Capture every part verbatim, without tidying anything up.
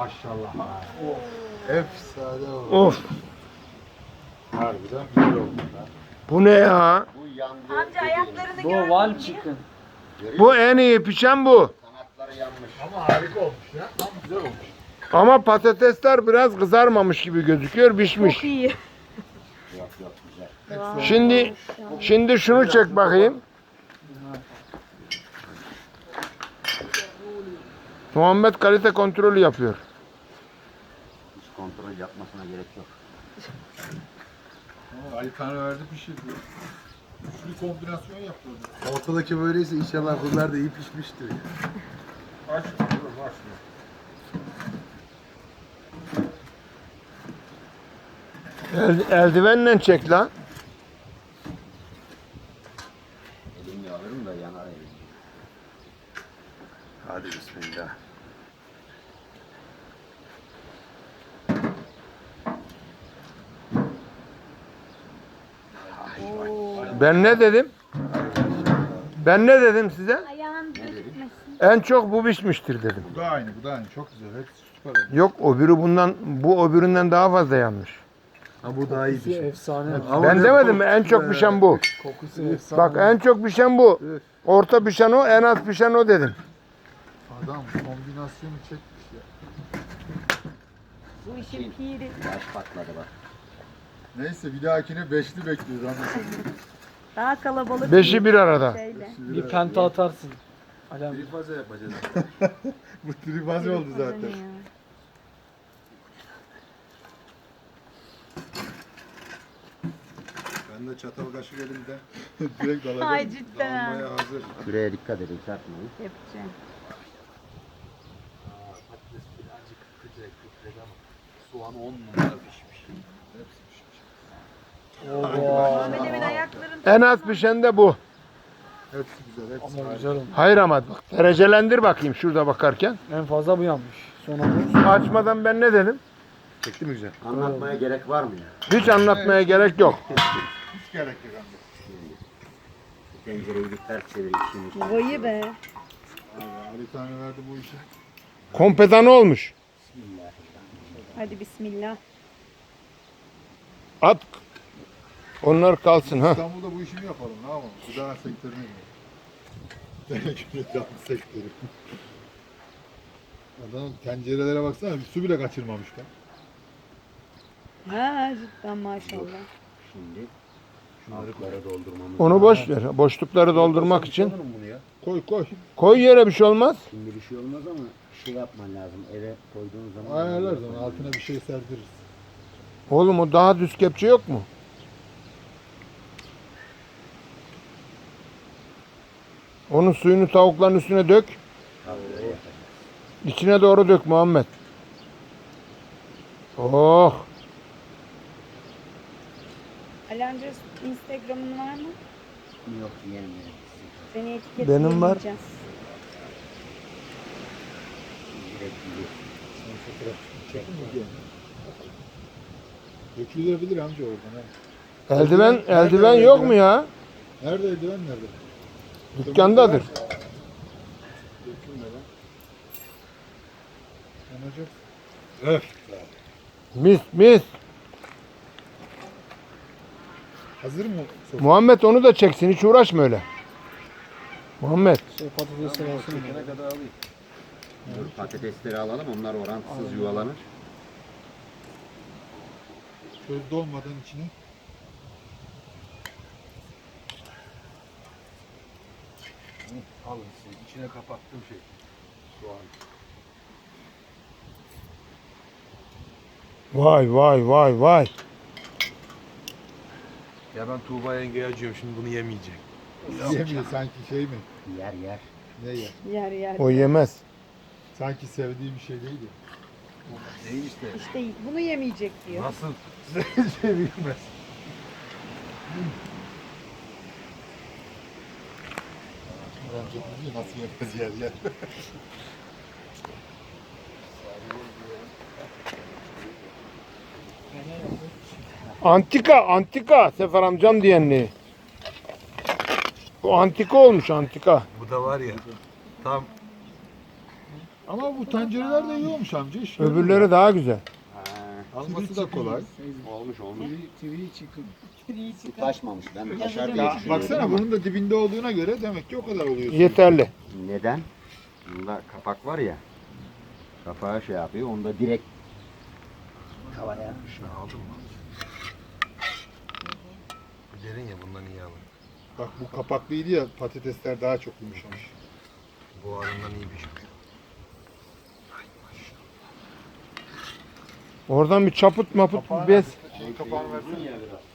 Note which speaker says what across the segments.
Speaker 1: Maşallah.
Speaker 2: Efsane oldu.
Speaker 3: Of.
Speaker 2: Harbiden güzel oldu.
Speaker 3: Bu ne ya?
Speaker 4: Bu yandı.
Speaker 5: Amca ayaklarını
Speaker 6: Bu
Speaker 5: gördün
Speaker 6: one
Speaker 5: mü?
Speaker 6: chicken.
Speaker 3: Bu en iyi pişen bu.
Speaker 4: Kanatları yanmış.
Speaker 2: Ama harika olmuş ya. Tam güzel olmuş.
Speaker 3: Ama patatesler biraz kızarmamış gibi gözüküyor, pişmiş.
Speaker 5: Çok iyi.
Speaker 4: Yok yok güzel.
Speaker 3: Şimdi şimdi şunu çek bakayım. Muhammed kalite kontrolü yapıyor.
Speaker 4: Hiç kontrol yapmasına gerek yok.
Speaker 2: Ama Ali tane verdi pişirdi. Üçlü kombinasyon yaptı orada. Ortadaki böyleyse inşallah bunlar da iyi pişmiştir. Aç. Aç.
Speaker 3: El, eldivenle çek lan.
Speaker 4: Elimle alırım da yanar elim.
Speaker 2: Hadi bismillah.
Speaker 3: Ben ne dedim? Ben ne dedim size?
Speaker 5: Ayağın gözükmesin.
Speaker 3: En çok bu pişmiştir dedim.
Speaker 2: Bu da aynı, bu da aynı. Çok güzel. Hepsi süper oldu.
Speaker 3: Yok öbürü bundan, bu öbüründen daha fazla yanmış.
Speaker 2: Ha bu daha iyi
Speaker 6: Kokusu efsane.
Speaker 2: Ama
Speaker 3: Ben
Speaker 2: ne
Speaker 3: demedim mi? En
Speaker 2: kokusu
Speaker 3: çok
Speaker 2: be.
Speaker 3: pişen bu.
Speaker 6: Kokusu efsane.
Speaker 3: Bak en çok pişen bu.
Speaker 2: Üf.
Speaker 3: Orta pişen o, en az pişen o dedim.
Speaker 2: Adam kombinasyonu çekmiş ya.
Speaker 5: Bu işin piri.
Speaker 4: Baş patladı bak.
Speaker 2: Neyse bir dahakine beşli bekliyoruz anlasın.
Speaker 5: Daha kalabalık.
Speaker 3: Beşi bir arada.
Speaker 5: Şeyle.
Speaker 6: Bir penta atarsın. Alem.
Speaker 2: Trifaze yapacağız. Bu trifaze oldu zaten. Ben de çatal kaşık elimde. Direkt dalacağım.
Speaker 5: Ay cidden.
Speaker 2: Dalmaya hazır.
Speaker 4: Şuraya dikkat edin çarpmayın.
Speaker 5: Yapacağım.
Speaker 1: Patates birazcık küçük küçük ama soğan on numara pişmiş.
Speaker 2: Hepsi pişmiş.
Speaker 5: Muhammed Emin ayakların.
Speaker 3: En az pişen de bu.
Speaker 2: Hepsi güzel. Hepsi
Speaker 6: Ama
Speaker 2: harika.
Speaker 6: güzel olmuş.
Speaker 3: Hayır ama bak derecelendir bakayım şurada bakarken.
Speaker 6: En fazla bu yanmış. Sonra bu.
Speaker 3: Açmadan ben ne dedim?
Speaker 2: Çekti mi güzel?
Speaker 4: Anlatmaya gerek var mı ya?
Speaker 3: Hiç anlatmaya gerek yok.
Speaker 2: Hiç gerek yok amca.
Speaker 4: Tencereyi bir ters çevir işini.
Speaker 5: Vayı be.
Speaker 2: Abi, Ali tane verdi bu işi.
Speaker 3: Kompedan olmuş.
Speaker 5: Hadi bismillah.
Speaker 3: At. Onlar kalsın ha.
Speaker 2: İstanbul'da bu işi mi yapalım? Ne yapalım? Gıda sektörüne gidelim. Gıda sektörü. Adam tencerelere baksana bir su bile kaçırmamış be.
Speaker 5: Ha cidden maşallah.
Speaker 4: Şimdi altlara doldurmamız
Speaker 3: Onu
Speaker 4: lazım.
Speaker 3: boş ver. Boşlukları doldurmak için.
Speaker 4: Alırım bunu ya.
Speaker 2: Koy koy.
Speaker 3: Koy yere bir şey olmaz.
Speaker 4: Şimdi bir şey olmaz ama şey yapman lazım. Eve koyduğun zaman.
Speaker 2: Ayarlar zaman altına bir şey serdiririz.
Speaker 3: Oğlum o daha düz kepçe yok mu? Onun suyunu tavukların üstüne dök. İçine doğru dök Muhammed. Oh.
Speaker 5: Alemce Instagram'ın var mı?
Speaker 4: Yok yerim yerim.
Speaker 5: Seni etiketleyeceğiz.
Speaker 3: Benim var.
Speaker 4: Direkt gidiyor.
Speaker 2: Çekin mi diye. Dökülebilir amca oradan. Ha.
Speaker 3: Eldiven,
Speaker 2: Nerede
Speaker 3: eldiven
Speaker 2: eldiven?
Speaker 3: yok mu ya?
Speaker 2: Nerede eldiven nerede?
Speaker 3: Dükkandadır.
Speaker 2: Dökülmeden. Yanacak. Öf.
Speaker 3: Mis mis.
Speaker 2: Hazır mı? Sos?
Speaker 3: Muhammed onu da çeksin. Hiç uğraşma öyle. Muhammed.
Speaker 6: Şey patatesler olsun.
Speaker 2: Ne kadar alayım?
Speaker 4: Dur, patatesleri alalım. Onlar orantısız yuvalanır.
Speaker 2: Közde olmadan içine. Alın size. İçine kapattığım şey. Soğan.
Speaker 3: Vay vay vay vay.
Speaker 1: Ya ben Tuğba yengeye acıyorum şimdi bunu yemeyecek.
Speaker 2: Yemiyor sanki şey mi?
Speaker 4: Yer yer.
Speaker 2: Ne yer?
Speaker 5: Yer yer.
Speaker 3: O yemez.
Speaker 2: Sanki sevdiği bir şey değil ya.
Speaker 1: Ne işte?
Speaker 5: İşte bunu yemeyecek diyor.
Speaker 1: Nasıl?
Speaker 2: Sevilmez. Amca biliyor nasıl yapacağız yer yer.
Speaker 3: Antika, antika. Sefer amcam diyenli. Bu antika olmuş antika.
Speaker 1: Bu da var ya tam
Speaker 2: Ama bu tencereler de iyi olmuş amca. iş
Speaker 3: Öbürleri daha güzel.
Speaker 2: alması da kolay.
Speaker 4: Olmuş olmuş.
Speaker 6: Tree chicken.
Speaker 4: Bu taşmamış. Ben taşar diye
Speaker 2: Ya
Speaker 4: düşünüyorum
Speaker 2: baksana
Speaker 4: ama.
Speaker 2: bunun da dibinde olduğuna göre demek ki o kadar oluyor.
Speaker 3: Yeterli.
Speaker 4: Neden? Bunda kapak var ya. Kapağı şey yapıyor. Onda direkt tavaya.
Speaker 1: Şunu aldın mı? Derin ya bundan iyi alın.
Speaker 2: Bak bu kapaklıydı ya, patatesler daha çok yumuşamış.
Speaker 1: Buharından iyi pişmiş.
Speaker 3: Oradan bir çaput maput bir bez.
Speaker 2: Şey kapağını versene.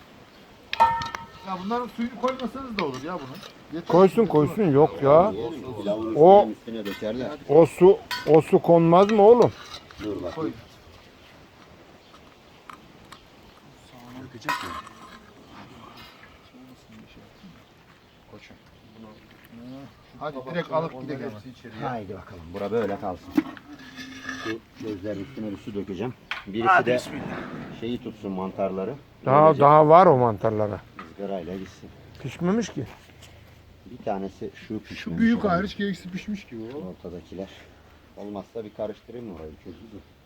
Speaker 2: Ya bunların suyunu koymasanız da olur ya bunun. Yeter.
Speaker 3: Koysun koysun yok ya.
Speaker 4: Pilavın
Speaker 3: O-
Speaker 4: üstüne, üstüne dökerler.
Speaker 3: O su o su konmaz mı oğlum?
Speaker 4: Dur bakayım.
Speaker 1: Dökecek mi?
Speaker 2: Hadi direkt alıp gidelim içeriye.
Speaker 4: Haydi bakalım. Bura böyle kalsın. Şu gözlerin üstüne bir su dökeceğim. Birisi de şeyi tutsun, mantarları.
Speaker 3: Daha
Speaker 4: Böylece
Speaker 3: daha var o mantarlara.
Speaker 4: ızgarayla gitsin.
Speaker 3: Pişmemiş ki.
Speaker 4: Bir tanesi şu pişmemiş.
Speaker 2: Şu büyük
Speaker 4: olan.
Speaker 2: hariç gerisi pişmiş gibi o.
Speaker 4: Ortadakiler. Olmazsa bir karıştırayım orayı. Çözülür.